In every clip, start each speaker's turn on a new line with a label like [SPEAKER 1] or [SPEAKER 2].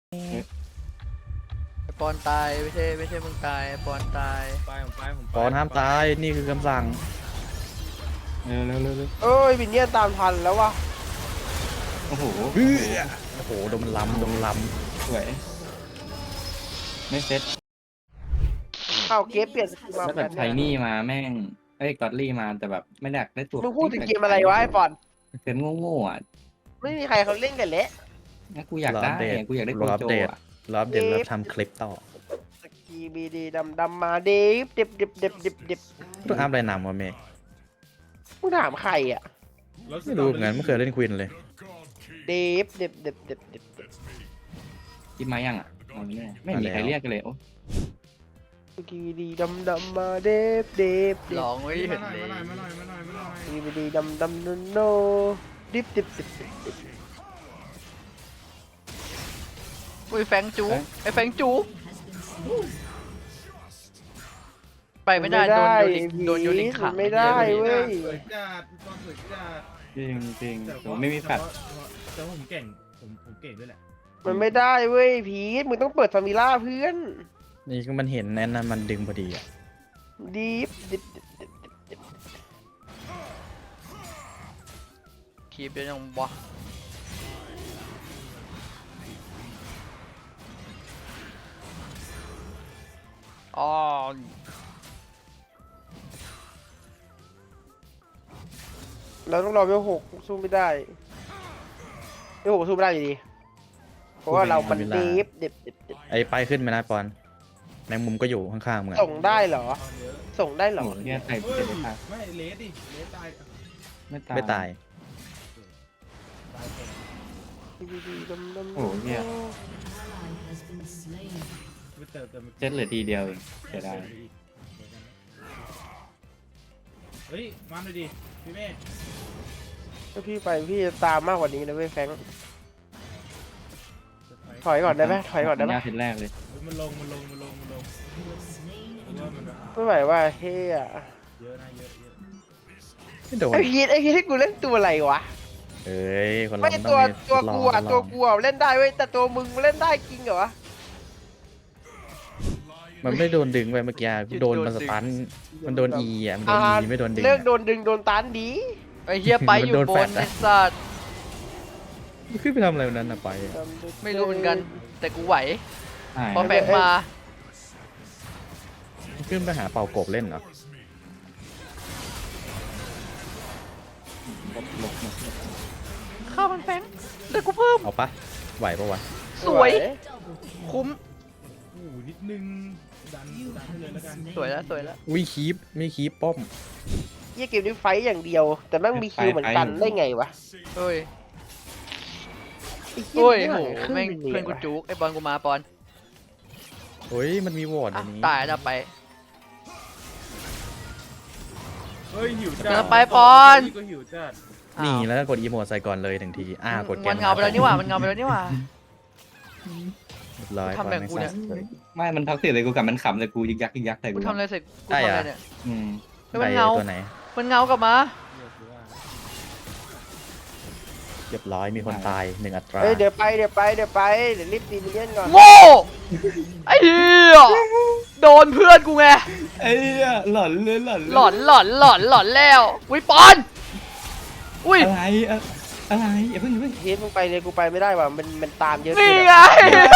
[SPEAKER 1] ไอปอนตายไม่ใช่มึงตายไอปอนตาย
[SPEAKER 2] ผมไป
[SPEAKER 3] ปอนห้ามตายนี่คือคำสั่ง
[SPEAKER 4] เร็ว
[SPEAKER 2] เอ้ยวินเนี่ยตามทันแล้ววะ
[SPEAKER 4] โอ้โห
[SPEAKER 3] โอ้โหโดนมันล้ำ
[SPEAKER 4] สวยไม่เซ็ต
[SPEAKER 2] เข้าเกมเปลี่ยนสกิลมา
[SPEAKER 4] แล้วแบบไทนี่มาแม่งกอดลี่มาแต่แบบไม่ได้ได้ตัว
[SPEAKER 2] มึงพูดถึงเกมอะไรวะไอ้ปอน
[SPEAKER 4] เกมโง่ๆอ่ะ
[SPEAKER 2] ไม่มีใครเขาเล่นกันเละ
[SPEAKER 4] งั้นกูอยากได้กูอยากได้โก
[SPEAKER 3] รออัป
[SPEAKER 4] โจ
[SPEAKER 3] เดต
[SPEAKER 4] อ่ะ
[SPEAKER 3] รออัปเดตแล้วทำคลิปต่อ
[SPEAKER 2] สกีบีดีดำมาเดิบ
[SPEAKER 3] ต้องอัพอะไรนำวะเมย์
[SPEAKER 2] มึงถามใครอ่ะ
[SPEAKER 3] ไม่รู้เหมือนกันไม่เคยเล่นควินเลย
[SPEAKER 2] เดิบ
[SPEAKER 4] คิดมายังอ่ะไม่มีใครเรียกกันเลยโอ้
[SPEAKER 2] สกีบีดีดำมาเดิบ
[SPEAKER 1] ลองไม่เห็นเลย
[SPEAKER 2] สกีบีดีดำโนดิบ
[SPEAKER 1] อุ้ยแฟงจูไอแฟงจูไปไม่ได้โดนโยนิขัง
[SPEAKER 2] ไม่ได้เว้ย
[SPEAKER 5] สวยจัดตอนสวยจัด
[SPEAKER 4] จริงผมไม่มีแฟด
[SPEAKER 5] แต่ว่าผมเก่งผมเก่งด้วยแหละ
[SPEAKER 2] มันไม่ได้เว้ยพีทมึงต้องเปิดซามิล่าเพื่อน
[SPEAKER 3] นี่ก็มันเห็นแน่นนะมันดึงพอดีอ่ะ
[SPEAKER 2] ดิบ
[SPEAKER 1] คีบเยอะยังวะอ๋อ
[SPEAKER 2] เราต้องรอเวล6สู้ไม่ได้เวล6สู้ไม่ได้อยู่ดีเพราะว่าเรามันดิบ
[SPEAKER 3] ไอ้ไปขึ้นไหมนะปอนแมงมุมก็อยู่ข้างๆมึงอะ
[SPEAKER 2] ส่งได้เหรอ
[SPEAKER 5] ตอนเยอะ
[SPEAKER 2] ส่งได้เหรอ
[SPEAKER 4] โหเนี่ยใส่
[SPEAKER 5] เฮ้ย
[SPEAKER 4] เจ็บตาย
[SPEAKER 5] ไม่เลสดิเลสตาย
[SPEAKER 4] ไม่ตาย
[SPEAKER 3] ไม่ตาย
[SPEAKER 5] ตายเก่ง
[SPEAKER 4] โอ้โหเนี่ย
[SPEAKER 5] ไม่เติม
[SPEAKER 4] เจ็ดเหลือทีเดียวเองเสียดาย
[SPEAKER 5] เฮ้ยมาหน่อยดิพี่เมฆ
[SPEAKER 2] ถ้าพี่ไปพี่จะตามมากกว่านี้นะเว้ยแฟรงค์ถอยก่อนได้ไหมถอยก่อนได้ไหม
[SPEAKER 4] หน้าทีแรกเลย
[SPEAKER 5] มันลงผมว่ามัน
[SPEAKER 2] ไม่ไหวว่าเฮีย
[SPEAKER 5] เยอะนะเยอะ
[SPEAKER 3] ไม่โดน
[SPEAKER 2] ไอพีทให้กูเล่นตัวอะไรวะ
[SPEAKER 3] เอ้ยคนเรา
[SPEAKER 2] ไม่
[SPEAKER 3] มัน
[SPEAKER 2] ตัว
[SPEAKER 3] ต้องมี
[SPEAKER 2] กู
[SPEAKER 3] ท
[SPEAKER 2] อ่ะ
[SPEAKER 3] ดล
[SPEAKER 2] ตัว
[SPEAKER 3] อง
[SPEAKER 2] กูอ่ะเล่นได้เว้ยแต่ตัวมึงเล่นได้จริงเหรอวะ
[SPEAKER 3] มันไม่โดนดึงไปเมื่อกี้โดนมันสตันมันโดนอีอ่ะมันโดนอีไม่โดนดึง
[SPEAKER 2] เลิก
[SPEAKER 3] อะ
[SPEAKER 2] โดนดึงโดนตันดี
[SPEAKER 1] ไอเฮียไปอยู่
[SPEAKER 3] มันโดน
[SPEAKER 1] บ
[SPEAKER 3] แฟล
[SPEAKER 1] น
[SPEAKER 3] ช
[SPEAKER 1] ไอ
[SPEAKER 3] อะ
[SPEAKER 1] สัตว์
[SPEAKER 3] ขึ้นไปทำอะไรวันนั้นนะไปอะ
[SPEAKER 1] ไม่รู้เหมือนกัน แต่กูไหว
[SPEAKER 4] ใช่
[SPEAKER 1] พอแฟงมา
[SPEAKER 3] ขึ้นไปหาเป่ากบเล่นเหรอ
[SPEAKER 1] ข้ามันแฟงแต่กูเพิ่ม
[SPEAKER 3] เอาปะไหวปะวะ
[SPEAKER 1] สวย คุ้ม
[SPEAKER 5] โอ้โหนิดนึงดันให้เลยแล้วกัน
[SPEAKER 1] สวยแล้ว
[SPEAKER 3] อุ้ยคีปไม่คีปป้อม
[SPEAKER 2] เฮียเกมนี้ไฟต์อย่างเดียว แต่แม่งมีคิวเหมือนกันได้ไงวะ
[SPEAKER 1] เฮ้ย
[SPEAKER 2] ไอ้เหี้
[SPEAKER 1] โอ้ย
[SPEAKER 2] นี่
[SPEAKER 1] โห
[SPEAKER 2] ครึ่
[SPEAKER 1] แม่ง
[SPEAKER 2] ห
[SPEAKER 1] เพื่อนกูจุกไอบอลกูมาปอน
[SPEAKER 3] เฮ้ยมันมีวอร์ด
[SPEAKER 1] อ่ะ
[SPEAKER 3] อันนี้
[SPEAKER 1] ตายแล้วไป
[SPEAKER 5] เฮ้ยหิวจั
[SPEAKER 1] เดิ
[SPEAKER 5] ด
[SPEAKER 1] นไปปอน
[SPEAKER 5] ก็หิวจัด
[SPEAKER 3] นี่
[SPEAKER 1] อ้าว
[SPEAKER 3] แล้วก็กดอีโมดใส่ก่อนเลยหนึ่งทีกดแก
[SPEAKER 1] มันเงาไปแล้วนี่หว่ามันเงาไปแล้วนี่หว่า
[SPEAKER 3] เรียบร้อย
[SPEAKER 1] ทำแบบกูเนี่ย
[SPEAKER 4] ไม่มันท็อกซิกเลยกูกับมันขำเลยกูยึกยักใส่
[SPEAKER 1] กู
[SPEAKER 4] กู
[SPEAKER 1] ทำอะไรเสร็จกูทำอะไรเนี่ย
[SPEAKER 4] อืม
[SPEAKER 1] แล้วมัน
[SPEAKER 3] ได้
[SPEAKER 1] เงา
[SPEAKER 3] ตัวไหน
[SPEAKER 1] มันเงากลับมา
[SPEAKER 3] เรียบร้อยมีคนตายหนึ่งอัตรา
[SPEAKER 2] เฮ้ยเดี๋ยวไปเดี๋ยวรีบตีมิลเลียนก่อน
[SPEAKER 1] โง่ไอ้เหี้ยโดนเพื่อนกูไง
[SPEAKER 4] ไอ้หลอนเลยหลอน
[SPEAKER 1] หลอนแล้วอุ้ยปอน อุ้ย
[SPEAKER 4] อะไรอย่าเพิ่ง
[SPEAKER 2] เฮียมึงไปเลยกูไปไม่ได้ว่ะมันตามเยอะ
[SPEAKER 1] นี่
[SPEAKER 2] เกิน
[SPEAKER 1] ไง
[SPEAKER 2] อะ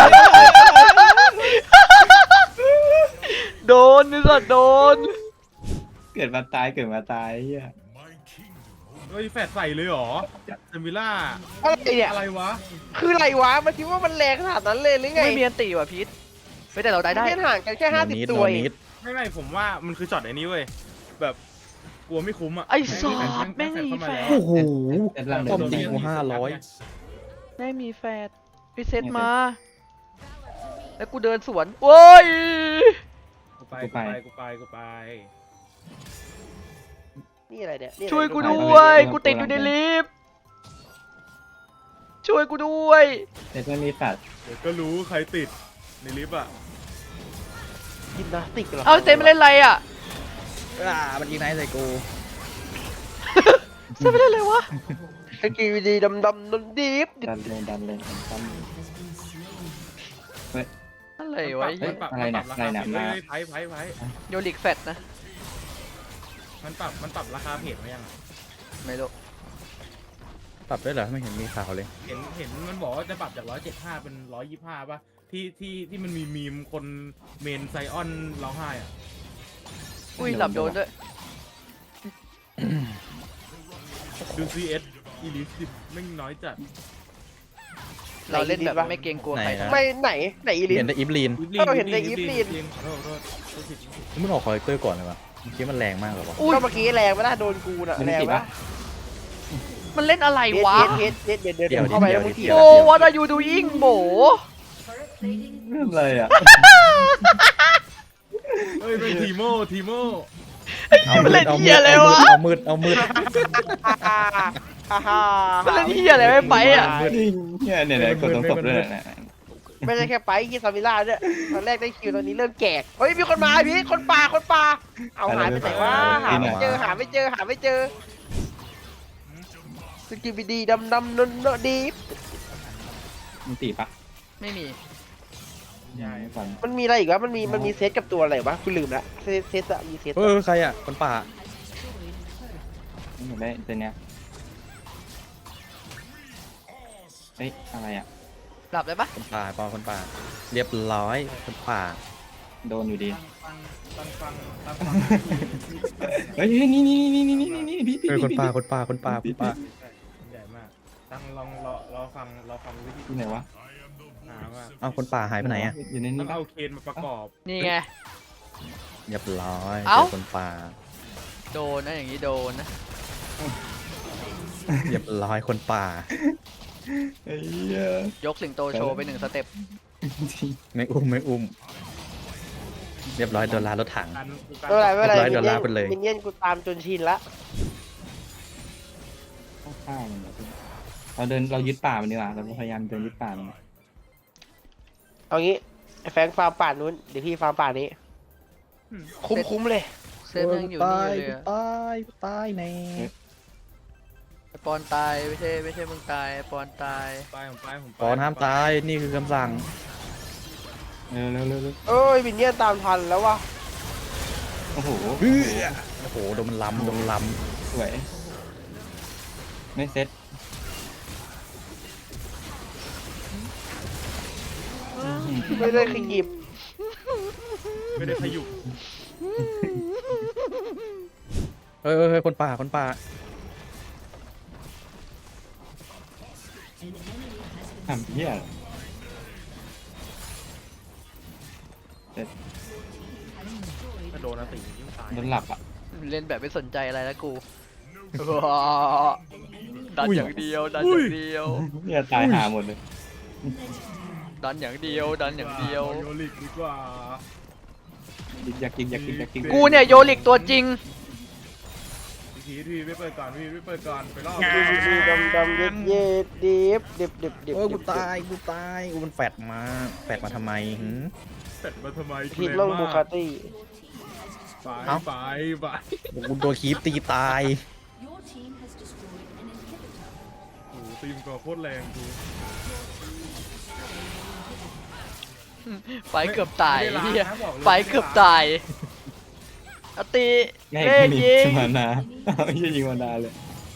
[SPEAKER 1] โดนนี่สัตว์โดน
[SPEAKER 4] เกิดมาตายเฮีย
[SPEAKER 5] เฮ้ยแฟดใส่เลยเหรอเซมิล่า
[SPEAKER 2] อะไรเนี่ย
[SPEAKER 5] อะไรวะ
[SPEAKER 2] คืออะไรวะมันคิดว่ามันแรงขนาดนั้นเลยหรือไง
[SPEAKER 1] ไม่มีอันตีว่ะพีทไม่แต่เราได้ได้
[SPEAKER 2] เล่นห่างกันแค่
[SPEAKER 3] โนนิด
[SPEAKER 2] 50 ตั
[SPEAKER 3] โน
[SPEAKER 2] วเอ
[SPEAKER 3] นิ
[SPEAKER 2] ง
[SPEAKER 3] ด
[SPEAKER 5] ไม่ผมว่ามันคือช็อตไอ้นี้เว้ยแบบกลัวไม่คุ้มอ่ะ
[SPEAKER 1] ไอ้สัตว์ไม่มีแฟด
[SPEAKER 3] โอ้โห
[SPEAKER 4] ลัง
[SPEAKER 3] ป้อมจริงกู
[SPEAKER 1] ไม่มีแฟดรีเซ็ตมา แล้วกูเดินสวนโอ้ย
[SPEAKER 5] กูไป
[SPEAKER 2] นี่อะไรเนี่ยนี่อะไร
[SPEAKER 1] ช่วยกูด้วยกูติดอยู่ในลิฟต์ช่วยกูด้วย
[SPEAKER 4] แต่ไม่มีฝัด
[SPEAKER 5] เดี๋ยวก็รู้ใครติดในลิฟต์อ่ะ
[SPEAKER 2] ยิมนาสติกเหรอ
[SPEAKER 1] เอาเต็มไปเล่นอะไรอ่ะ
[SPEAKER 3] มันยิงไหนใส่กู
[SPEAKER 1] เต็มไปเล่นอะไรวะ
[SPEAKER 2] ไอ้กีวีดีดำนนดิบ
[SPEAKER 4] ดันเลย
[SPEAKER 1] อะไร
[SPEAKER 5] มัน
[SPEAKER 1] วะ
[SPEAKER 5] มันปรับ
[SPEAKER 4] อะไรเนี่ย
[SPEAKER 5] รา
[SPEAKER 4] อะไร
[SPEAKER 5] คา
[SPEAKER 4] เนี่ย
[SPEAKER 5] เพจ
[SPEAKER 4] มา
[SPEAKER 5] ไพ่
[SPEAKER 1] โยลิกแฟตนะ
[SPEAKER 5] มันปรับราคาเพจมายังอะ
[SPEAKER 1] ไม่รู้
[SPEAKER 3] ปรับด้วยเหรอไม่เห็นมีข่าวเลย
[SPEAKER 5] เห็นมันบอกว่าจะปรับจาก175เป็น125ป่ะที่มันมีมีมคนเมนไซออนร้องไห้อ่ะ
[SPEAKER 1] อุ้ยหลับโดนด้วย
[SPEAKER 5] ดู CS อีลิสิไม่งน้อยจัด
[SPEAKER 1] เราเล่นแบบไม่เกรงกลัวใคร
[SPEAKER 3] ไหนนะ
[SPEAKER 2] ไม่ไหนอีลิส
[SPEAKER 3] เห็นแต่อิฟลีน
[SPEAKER 2] เราเห็นแต่อีฟลีน
[SPEAKER 5] ขอโทษพูดผิด
[SPEAKER 3] มึงออกคอเลกเตอร์ก่อนเลยวะเมื่อกี้มันแรงมากเหรอวะ
[SPEAKER 1] อุ้ย
[SPEAKER 2] ก็เมื่อกี้แรงไม่ได้โดนกูน่ะ
[SPEAKER 4] มัน
[SPEAKER 2] แรง
[SPEAKER 4] ติด
[SPEAKER 2] ปะ
[SPEAKER 4] ปะ
[SPEAKER 1] มันเล่นอะไรวะ
[SPEAKER 2] เฮ็ดเดินเข้าไปแล้วมึงเถียง
[SPEAKER 1] โอ้ what are you doing โบ
[SPEAKER 4] เรื่องอะไรอ่ะ
[SPEAKER 5] เฮ้ยเป็นทีโม
[SPEAKER 1] มันเล่นเหี้ยอะไรวะ
[SPEAKER 3] เอามืด
[SPEAKER 2] ฮ่าฮ่า
[SPEAKER 1] มันเล่นเหี้ยอะไรไม่ไปอ่ะ
[SPEAKER 4] เนี่ยกดตรงศพด้วยนะ
[SPEAKER 2] ไม่ใช่แค่ไปที่ซามิล่าด้วยตอนแรกได้คิวตอนนี้เริ่มแจกเฮ้ยมีคนมาพี่คนป่าเอาหายไปไหนวะหาไม่เจอสกิบดีดำนนดี
[SPEAKER 4] มันตีปะ
[SPEAKER 1] ไม่มี
[SPEAKER 4] ไม่ฟัง
[SPEAKER 2] มันมีอะไรอีกวะมันมีเซตกับตัวอะไรวะคุณลืมละเซตอะมีเซต
[SPEAKER 3] ใครอ่ะคนป่า
[SPEAKER 4] ไม่ได้ตัวเนี้ยเฮ้ยอะไรอ่ะ
[SPEAKER 1] หลับได้ปะ
[SPEAKER 3] คนป่าปอคนป่า เรียบร้อยคนป่า
[SPEAKER 4] โดนอยู่ดี
[SPEAKER 5] ตั้งฟัง
[SPEAKER 4] เฮ้ยนี่พี่
[SPEAKER 3] คนป่า
[SPEAKER 5] ใหญ่มากตั้งลองรอฟังวิธี
[SPEAKER 4] ที่ไหนวะ
[SPEAKER 5] หาว่า
[SPEAKER 3] เอาคนป่าหายไปไหนอ่ะ
[SPEAKER 4] อยู่ใน
[SPEAKER 5] ต้
[SPEAKER 4] นี้
[SPEAKER 5] องเอาเคนมาประกอบ
[SPEAKER 1] นี่ไง
[SPEAKER 3] เรียบร้อย
[SPEAKER 1] เอ้า
[SPEAKER 3] เจอคนป่า
[SPEAKER 1] โดนนะอย่างนี้โดนนะ
[SPEAKER 3] เรียบร้อยคนป่า
[SPEAKER 4] เฮ้ย
[SPEAKER 1] ยกสิงโตโชว์ไป1 สเต็ป
[SPEAKER 3] ไม่อุ้ม เรียบร้อยโดนลารถถัง
[SPEAKER 5] กัน
[SPEAKER 2] ไม่เป็นไร
[SPEAKER 3] เรียบร้อยโดนลากไปเลย
[SPEAKER 2] มินเนี่ยนกูตามจนชินละ
[SPEAKER 4] ข้าวมันเรายึดป่ามันดีกว่าเราพยายามเดินยึดป่ามัน
[SPEAKER 2] เอางี้ไอ้แฟงฟาร์มป่านู้นเดี๋ยวพี่ฟาร์มป่านี้คุ้มเลย
[SPEAKER 1] เซฟยังอยู่นี่เลยอะ
[SPEAKER 3] ตายแน่
[SPEAKER 1] ไอ้ปอนตายไม่ใช่มึงตายไอ้ปอนตาย
[SPEAKER 5] ผมไป
[SPEAKER 3] ปอนห้ามตายนี่คือคำสั่ง
[SPEAKER 4] เร็ว
[SPEAKER 2] เอ้ยมินเนี่ยนตามทันแล้ววะ
[SPEAKER 4] โอ้โห
[SPEAKER 3] โอ้โหโดนมันล้ำ
[SPEAKER 4] สวยไม่เซ็ต
[SPEAKER 2] ไม่ได้ขยิบ
[SPEAKER 5] ไม่ได้ขยุก
[SPEAKER 3] เฮ้ยคนป่า
[SPEAKER 4] ทำเหี้ย
[SPEAKER 5] ถ้าโดนอาติยิ่งตาย
[SPEAKER 4] โดนหลับอ่ะ
[SPEAKER 1] เล่นแบบไม่สนใจอะไรแล้วกูดันอย่างเดียวดันอย่างเดียว
[SPEAKER 4] เนี่ยตายหาหมดเลย
[SPEAKER 1] ดันอย่างเดียวดันอย่างเดียว
[SPEAKER 5] โยลิกดีกว่า
[SPEAKER 4] อยากกิน
[SPEAKER 1] กูเนี่ยโยลิกตัวจริง
[SPEAKER 5] พี่ไม่เปิดก่อนไปรอบ
[SPEAKER 2] ดำเย็ดดิบ
[SPEAKER 3] กูตายกูมันแฟดมาทำไมหึ
[SPEAKER 5] เป็ดมาทำไม
[SPEAKER 2] ทีมล่องบูคาตี้
[SPEAKER 5] ไป
[SPEAKER 3] กูโดนคีบตีตาย
[SPEAKER 6] Your team has destroyed an inhibitor.
[SPEAKER 5] โอ้ตีมก็โคตรแรงกู
[SPEAKER 1] ไฟเกือบตาย
[SPEAKER 5] ไม่ได้ล้าง
[SPEAKER 1] เฮีย
[SPEAKER 5] นะบอกเลย
[SPEAKER 1] ไฟเกือบตายอติ
[SPEAKER 4] ง่าย
[SPEAKER 1] เล่น
[SPEAKER 4] มี
[SPEAKER 1] ยิง
[SPEAKER 4] มานาไม่ใช่ยิงมานาเลย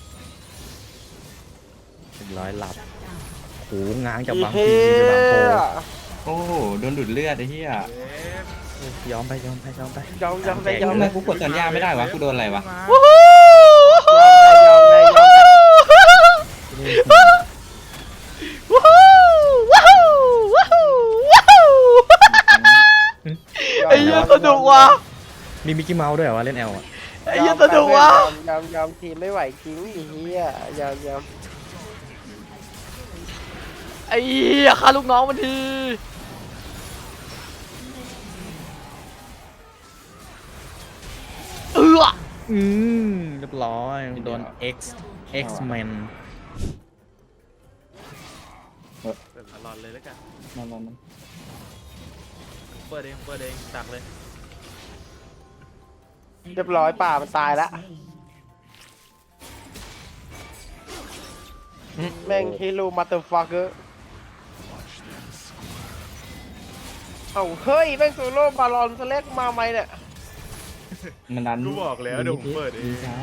[SPEAKER 3] เรียบร้อยหลับโหง้างจากบาง
[SPEAKER 2] เฮ้
[SPEAKER 3] ทีไปบางโพ
[SPEAKER 4] โอ้โหโดนดูดเลือดไอ้เหี้ย
[SPEAKER 3] ยอมไป
[SPEAKER 2] ยอม
[SPEAKER 4] ทำไมกูกดสัญญาณไม่ได้วะกูโดนอะไรวะ
[SPEAKER 1] วู้ฮู้ วู้ฮู้วู้ฮู้วู้ฮู้วู้ฮู้ไอ้เหี้ยสนุกว่ะ
[SPEAKER 3] มีมิกกี้เมาส์ด้วยเหรอวะเล่นแอลอ่ะ
[SPEAKER 1] ไอ้เหี้ยสนุกว่ะ
[SPEAKER 2] ยอมทีมไม่ไหวจริงไอ้เหี้ยยอม
[SPEAKER 1] ไอ้เหี้ยฆ่าลูกน้องมันที
[SPEAKER 3] เรียบร้อยโดน X Men
[SPEAKER 5] เปิดตลอดเลยแล้วกัน
[SPEAKER 4] มา
[SPEAKER 5] เปิดเองตักเลย
[SPEAKER 2] เรียบร้อยป่ามันตายละแม่งเฮโลมาเตอร์ฟักเกอร์เอ้าเฮ้ยแม่งโซโล่บาลอนสแลกมาไหมเนี่ย
[SPEAKER 4] มันดัน
[SPEAKER 5] กูบอกแล้วเดี๋ยวผมเปิดเอง
[SPEAKER 4] ช้า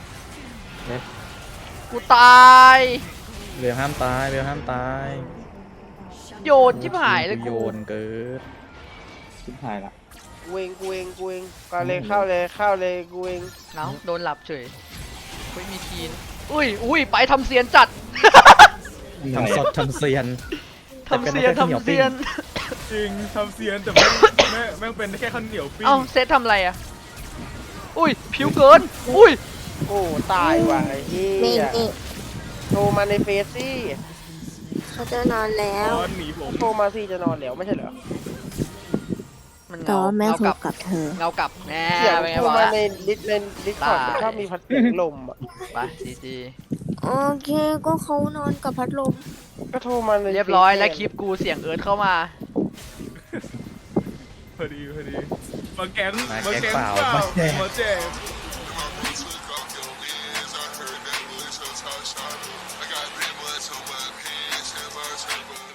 [SPEAKER 1] กูตาย
[SPEAKER 3] เรือห้ามตายเรือห้ามตาย
[SPEAKER 1] โยนชิบหายเลย
[SPEAKER 3] โย
[SPEAKER 1] กู
[SPEAKER 3] นเกิด
[SPEAKER 4] ชิบหายละ
[SPEAKER 2] กูเองก็เลยเข้าเลยกูเอง
[SPEAKER 1] เอ้าโดนหลับเฉยไม่มีคีนอุ้ยไปทำเซียนจัด
[SPEAKER 3] ทำสดทำเซียน
[SPEAKER 1] ทำเซียนทำเซียน
[SPEAKER 5] จริงทำเซียนแต่แม่งเป็นแค่ข้าวเหนียวปิ้ง
[SPEAKER 1] เอ้าเซตทำอะไรอ่ะ อุ้ยผิวเกิน อุ้ย
[SPEAKER 2] โอ้ตายว่ะไอ้เหี้
[SPEAKER 7] นี่
[SPEAKER 2] ย
[SPEAKER 7] นี่
[SPEAKER 2] โทรมาในเฟซซี่
[SPEAKER 7] เขาจะนอนแล้ว
[SPEAKER 5] ตอนหนีผม
[SPEAKER 2] โทรมาซี่จะนอนแล้วไม่ใช่เหรอ
[SPEAKER 1] มัน
[SPEAKER 7] แต่
[SPEAKER 1] เงา
[SPEAKER 7] ว่าแม่
[SPEAKER 1] เงา
[SPEAKER 7] โทร
[SPEAKER 1] กลับ
[SPEAKER 7] กับเธอ
[SPEAKER 1] เงากลับแน่
[SPEAKER 2] เสียง
[SPEAKER 1] เป็นไง
[SPEAKER 2] โทร
[SPEAKER 1] บอก
[SPEAKER 2] มา
[SPEAKER 1] แล้ว
[SPEAKER 2] ในดิสคอร์ด
[SPEAKER 1] ได้
[SPEAKER 2] ชอบมีพัดเสียงลมอ่ะ
[SPEAKER 1] ไปจี
[SPEAKER 7] โอเคก็เขานอนกับพัดลม
[SPEAKER 2] ก็โทรมาใน
[SPEAKER 1] เรียบร้อยแล้วคลิปกูเสียงเอิร์ธเข้ามา
[SPEAKER 5] พอดีมาแก๊ง
[SPEAKER 3] มาแก๊งเปล่า
[SPEAKER 5] มาแจก
[SPEAKER 8] I got big ones on my pants and my turbo.